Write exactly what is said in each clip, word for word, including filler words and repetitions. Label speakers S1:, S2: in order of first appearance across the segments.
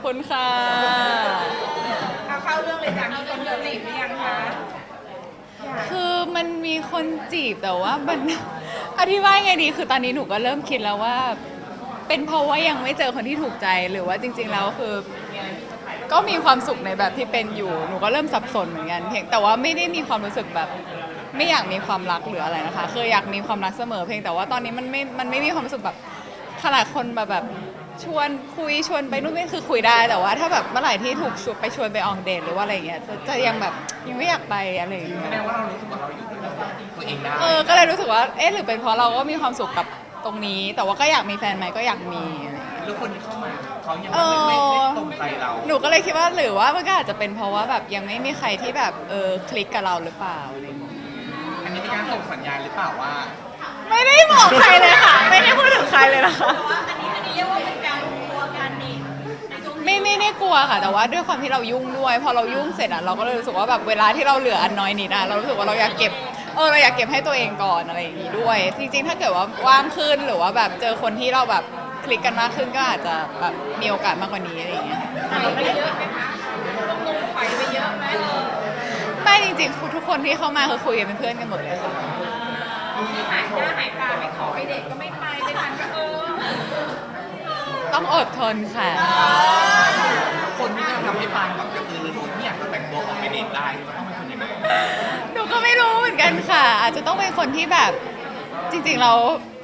S1: คุณค่ะ
S2: เอาเข้าเรื่องเลยจ้ะมีคนเดินจีบหรือยังคะ
S1: คือมันมีคนจีบแต่ว่ามัน อธิบายไงดีคือตอนนี้หนูก็เริ่มคิดแล้วว่า เป็นเพราะว่ายังไม่เจอคนที่ถูกใจหรือว่าจริงๆแล้วคือ ก็มีความสุขในแบบที่เป็นอยู่หนูก็เริ่มสับสนเหมือนกันเพียงแต่ว่าไม่ได้มีความรู้สึกแบบ ไม่อยากมีความรักหรืออะไรนะคะคืออยากมีความรักเสมอเพียงแต่ว่าตอนนี้มันไม่มันไม่มีความรู้สึกแบบขนาดคนมาแบบชวนคุยชวนไปนู่นนี่คือคุยได้แต่ว่าถ้าแบบเมื่อไหร่ที่ถูกชวนไปชวนไปออกเดทหรือว่าอะไรเงี้ยจะจะยังแบบยังไม่อยากไปอะไรอย่างเงี้ย
S3: แสดงว่าเรารู้สึกว่าเราอยู่ตัวเองได้
S1: เออก็เลยรู้สึกว่าเอ๊ะหรือเป็นเพราะเราก็มีความสุขกับตรงนี้ แต่ว่าก็อยากมีแฟนไหมก็อยากมีอะไรอย่างเงี้ย
S3: แล้วคนที่เข้ามาเขายัง
S1: เอ
S3: ไม่ไม่
S1: อ
S3: ไม่ตรงใจเรา
S1: หนูก็เลยคิดว่าหรือว่ามันก็อาจจะเป็นเพราะว่าแบบยังไม่มีใครที่แบบเออคลิกกับเราหรือเปล่าอะไรอย่างเงี้ย
S3: อันนี้เป็นการส่งสัญญาณหรือเปล่าว่า
S1: ไม่ได้บอกใครเลยค่ะ ไม่ได้พูดถึงใครเลยนะคะ
S2: อันนี้อันนี้เรียกว่าเป็นการรวมตัวกันนี่ในช่วงนี้
S1: ไม่ไม่ได้กลัวค่ะ แต่ว่าด้วยความที่เรายุ่งด้วยพอเรายุ่งเสร็จอะเราก็เลยรู้สึกว่าแบบเวลาที่เราเหลืออันน้อยนิดอะเรารู้สึกว่าเราอยากเก็บเออเราอยากเก็บให้ตัวเองก่อนอะไรอย่างงี้ด้วย จริงๆ ถ้าเกิดว่าว่างขึ้นหรือว่าแบบเจอคนที่เราแบบคลิกกันมากขึ้นก็อาจจะแบบมีโอกาสมากกว่านี้อะไรอย่างเงี้ย
S2: ถอยไปเยอะไหมคะลงลงถอยไปเยอะไหมเออ
S1: ไม่จริงๆทุกคนที่เข้ามาคือคุยกันเป็นเพื่อนกันหมดเลยค่ะ
S2: ที่หายหน้าหายตาไม่ขอไปเด็กก็ไม่ไปไปทานก็เออ
S1: ต้องอดทนค่ะ
S3: คนที่จะทำให้ปานแบบกระตือรือร้นที่อยากจะแต่งตัวออกไปเดทได้จะต้องเป็นคนยังไง
S1: หนูก็ไม่รู้เหมือนกันค่ะ อาจจะต้องเป็นคนที่แบบจริงๆเรา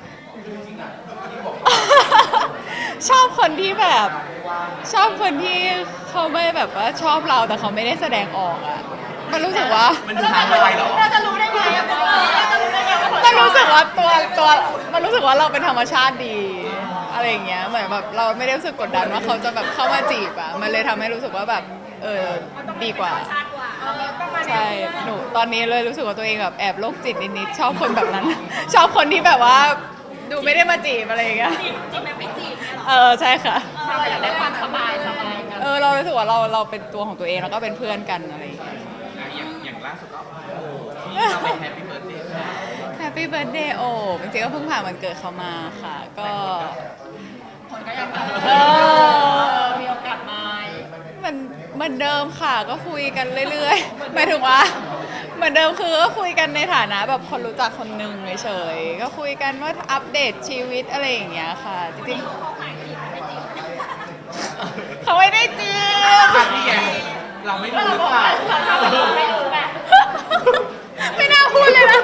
S1: ชอบคนที่แบบ ชอบคนที่เขาไม่แบบว่าชอบเราแต่เขาไม่ได้แสดงออกอะมันรู้สึกว่า
S3: มันดูทางลายเหรอ
S2: เราจะรู้ได้ไงอะเราจะรู้ได้ไงว่า
S1: มันรู้สึกว่าตัวตัวมันรู้สึกว่าเราเป็นธรรมชาติดีอะไรอย่างเงี้ยเหมือนแบบเราไม่ได้รู้สึกกดดันว่าเขาจะแบบเข้ามาจีบอะมันเลยทำให้รู้สึกว่าแบบเออดีกว่า
S2: ชาติกว่าเออต้องมาแนว
S1: ใช่
S2: เพื่อน
S1: หนูตอนนี้เลยรู้สึกว่าตัวเองแบบแอบโรคจิตนิดๆชอบคนแบบนั้น ชอบคนที่แบบว่าดูไม่ได้มาจีบอะไรอย่างเงี้ย
S2: จีบจีบแบบไม่จีบเนี่ยหรอ
S1: เออใช่ค่ะ
S2: เราอยากได้ความสบายสบายกัน
S1: เออเรารู้สึกว่าเราเราเป็นตัวของตัวเองแล้วก็เป็นเพื่อนกันอะไรอย่างเงี้ย
S3: อ่ะอย่างอย่างล่าสุดก็โอ้ที่เราไปแฮปปี้เบิร์ดเดย์
S1: แฮปปี้เบิร์ดเดย์โอ้จริงๆก็เพิ่งผ่านวันเกิดเขามาค่ะ ก็
S2: คนก็ยัง
S1: เออ
S2: มีโอกาสมา
S1: มันเหมือนเดิมค่ะก็คุยกันเรื่อยๆหมายถึงว่าเหมือนเดิมคือก็คุยกันในฐานะแบบคนรู้จักคนหนึ่งเฉยๆก็คุยกันว่าอัปเดตชีวิตอะไรอย่างเงี้ยค่ะจริงๆเขาไม่ได้จีบ
S3: อันนี้ไงเราไม่รู้หรือเปล่า
S2: ไม่รู้แบบ
S1: ไม่น่าพูดเลยนะ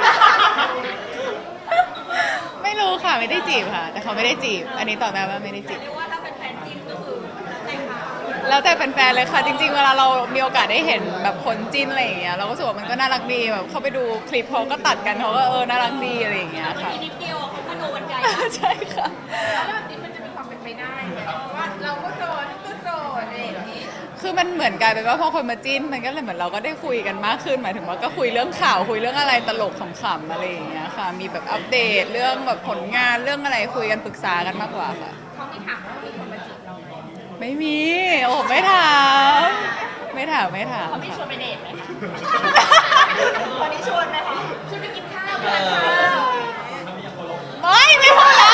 S1: ไม่รู้ค่ะไม่ได้จีบค่ะ แต่เขาไม่ได้จีบ อันนี้ตอบได้ว่าไม่ได้จีบ
S2: เรียกว่าถ้าเป็นแฟนจริงก็คือแต่งงาน
S1: แล้วแต่แฟนๆเลยค่ะ จริงๆ เวลาเรามีโอกาสได้เห็นแบบคนจิ้นอะไรอย่างเงี้ยเราก็รู้สึกว่ามันก็น่ารักดีแบบเข้าไปดูคลิปเขาก็ตัดกันเขาก็เออน่ารักดีอะไรอย่างเงี้ยค่ะ
S2: นิดเดียวเขาก็โดนไกล
S1: ใช่ค่ะ
S2: แล้วแบบนี้มันจะมีความเป็นไปได้ไหมว่าเราก็โสดก็โสดอะไรอย่างนี้
S1: คือมันเหมือนกลายเป็นว่าพอคนมาจิ้นมันก็เลยเหมือนเราก็ได้คุยกันมากขึ้นหมายถึงว่าก็คุยเรื่องข่าวคุยเรื่องอะไรตลกขำๆอะไรอย่างเงี้ยค่ะ มีแบบอัปเดตเรื่องแบบผลงานเรื่องอะไรคุยกันปรึกษากันมากกว่าค่ะ
S2: เขามีถามว่ามีคนมาจีบเราไหม
S1: ไม่มี โอ้ไม่ถามไม่ถามไม่ถาม
S2: เขาไม่ชว
S1: ค่ะ
S2: นไปเดทไหมคะคนนี้ชวนไหมคะชวนไปกินข้าวไปทานข้าว
S1: ไม่ไม่พูดแล้ว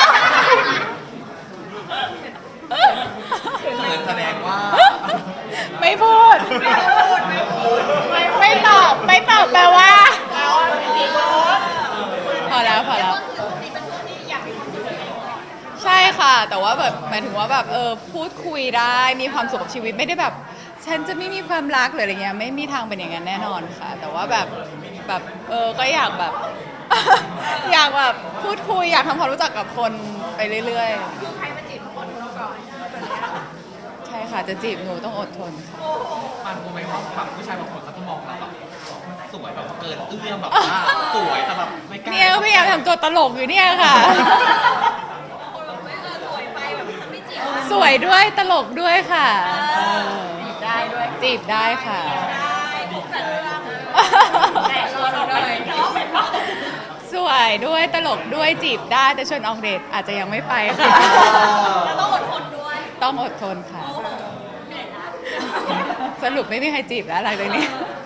S3: เขินแสดงว่า
S1: ไม่พูด
S2: ไม่พูดไม่พูด
S1: ไม่ไม่ตอบไม่ตอบแปลว่า
S2: แล้วจีบรถ
S1: พอแล้วพอแล้ว
S2: ช่วงนี้เป็นช่วงที่อยากมีความสุขกับตัวเองก่อน
S1: ใช่ค่ะ แต่ว่าแบบหมายถึงว่าแบบเออพูดคุยได้มีความสุขกับชีวิตไม่ได้แบบ ฉันจะไม่มีความรักหรืออะไรเงี้ยไม่มีทางเป็นอย่างนั้นแน่นอนค่ะ แต่ว่าแบบแบบเออก็อยากแบบ อยากแบบพูดคุยอยากทำความรู้จักกับคนไปเรื่อย
S2: คือใครมาจีบคนเราก่อนแบบนี้
S1: ๆ ใช่ค่ะจะจีบหนูต้องอดทนค่ะ
S2: โอ้โห
S3: มันคงไม่ว่าฝั่งผู้ชายบางคนเขาจะมองเราแบบสวยแบบเกินเอื้อมแบบว่าสวยแต่แบบไม่กล้า
S1: เนี่ยก็พยายามทำตัวตลกอยู่เนี่ยค่ะ
S2: ไม่เออสวยไปแบบฉันไม่จีบ
S1: สวยด้วยตลกด้วยค่ะเออ
S2: จีบได้ด้วย
S1: จีบได้ค่ะ
S2: ได้ทุกแต่เรื่องแต่ชวนออกไปเนาะ
S1: สวยด้วยตลกด้วยจีบได้แต่ชวนออกเดทอาจจะยังไม่ไปค่ะ
S2: แล้วต้องอดทนด้วย
S1: ต้องอดทนค่ะ
S2: โอ้โหเหนื่อยนะ
S1: สรุปไม่มีใครจีบแล้วหลังจากนี้
S2: เออ